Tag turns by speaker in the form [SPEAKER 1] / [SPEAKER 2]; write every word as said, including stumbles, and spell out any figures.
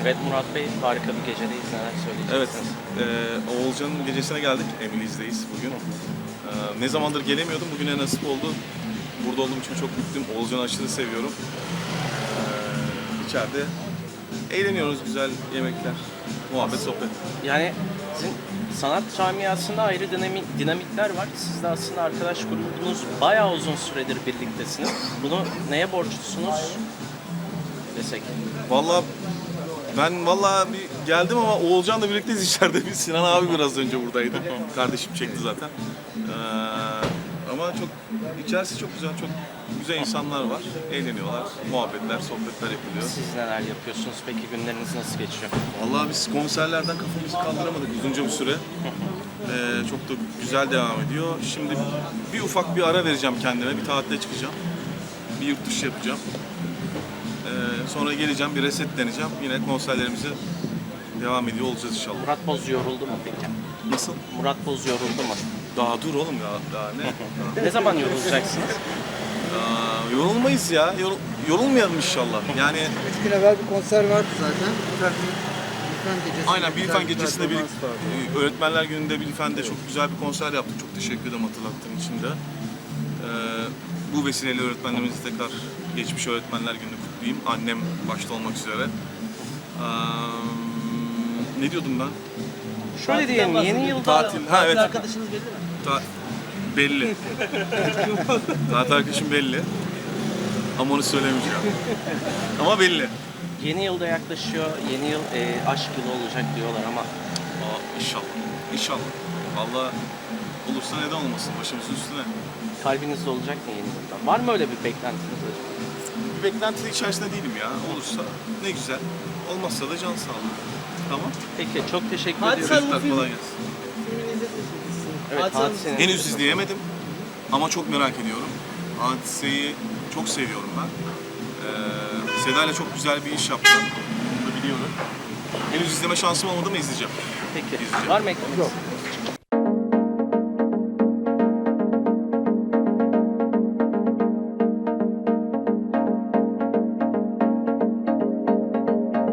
[SPEAKER 1] Evet Murat Bey, harika bir gecedeyiz. Neler
[SPEAKER 2] Evet,
[SPEAKER 1] söyleyeceksiniz?
[SPEAKER 2] e, Oğulcan'ın gecesine geldik. Emily's'deyiz bugün. E, ne zamandır gelemiyordum, bugüne nasip oldu. Burada olduğum için çok mutluyum. Oğulcan'ı aşırı seviyorum. E, içeride eğleniyoruz, güzel yemekler, muhabbet, sohbet.
[SPEAKER 1] Yani sizin sanat camiasında ayrı dinamik, dinamikler var. Siz de aslında arkadaş grubunuz bayağı uzun süredir birliktesiniz. Bunu neye borçlusunuz desek?
[SPEAKER 2] Vallahi ben vallahi bir geldim ama Oğulcan'la birlikteyiz içeride. Biz Sinan abi biraz önce buradaydı. Kardeşim çekti zaten. Ee, ama çok içerisi çok güzel, çok güzel insanlar var. Eğleniyorlar, muhabbetler, sohbetler yapılıyor.
[SPEAKER 1] Siz neler yapıyorsunuz? Peki günleriniz nasıl geçiyor?
[SPEAKER 2] Vallahi biz konserlerden kafamızı kaldıramadık uzunca bir süre. Ee, çok da güzel devam ediyor. Şimdi bir ufak bir ara vereceğim kendime, bir tatile çıkacağım. Bir yurt dışı yapacağım. Ee, sonra geleceğim, bir resetleneceğim. Yine konserlerimize devam ediyor olacağız inşallah.
[SPEAKER 1] Murat Boz yoruldu mu peki?
[SPEAKER 2] Nasıl?
[SPEAKER 1] Murat Boz yoruldu mu?
[SPEAKER 2] Daha dur oğlum ya, daha ne?
[SPEAKER 1] Ne zaman yorulacaksınız?
[SPEAKER 2] Aa, yorulmayız ya, Yorul, yorulmayalım inşallah. Yani
[SPEAKER 3] Üç gün evvel bir konser vardı zaten. Bilfen, Bilfen gecesi.
[SPEAKER 2] aynen Bilfen
[SPEAKER 3] güzel bir
[SPEAKER 2] gecesinde bir
[SPEAKER 3] performans vardı.
[SPEAKER 2] Öğretmenler Günü'nde Bilfen'de çok güzel bir konser yaptık. Çok teşekkür ederim hatırlattığın için de. Ee, bu vesileyle öğretmenlerimizi tekrar geçmiş Öğretmenler Günü'nü kutlayayım. Annem başta olmak üzere. Ee, ne diyordum ben?
[SPEAKER 1] Şöyle diyelim, yeni yılda...
[SPEAKER 2] Tatil. Ha evet.
[SPEAKER 3] Arkadaşınız belli mi?
[SPEAKER 2] Ta- belli. Tatil arkadaşım belli. Ama onu söylemeyeceğim. Ama belli.
[SPEAKER 1] Yeni yılda yaklaşıyor, yeni yıl e, aşk yılı olacak diyorlar ama
[SPEAKER 2] Aa, inşallah. İnşallah. Vallahi olursa neden olmasın başımızın üstüne.
[SPEAKER 1] kalbinizde olacak mı yeni yılda? Var mı öyle bir beklentiniz?
[SPEAKER 2] Bir beklenti içerisinde değilim ya. Olursa ne güzel. Olmazsa da can sağlığı. Tamam.
[SPEAKER 1] Peki, çok teşekkür
[SPEAKER 3] Hadise
[SPEAKER 1] ediyoruz.
[SPEAKER 3] Hanım-
[SPEAKER 2] Çocuklar kolay gelsin.
[SPEAKER 3] Filmini izlediniz mi?
[SPEAKER 1] Evet,
[SPEAKER 3] Hadise Hanım-
[SPEAKER 1] Hadise'nin-
[SPEAKER 2] Henüz izleyemedim. Ama çok merak ediyorum. Hadiseyi çok seviyorum ben. Ee, Seda ile çok güzel bir iş yaptılar. Bunu da biliyorum. Henüz izleme şansım olmadı mı izleyeceğim.
[SPEAKER 1] Peki,
[SPEAKER 2] İzleyeceğim.
[SPEAKER 1] var mı eklemek
[SPEAKER 3] Yok.
[SPEAKER 1] istediğiniz?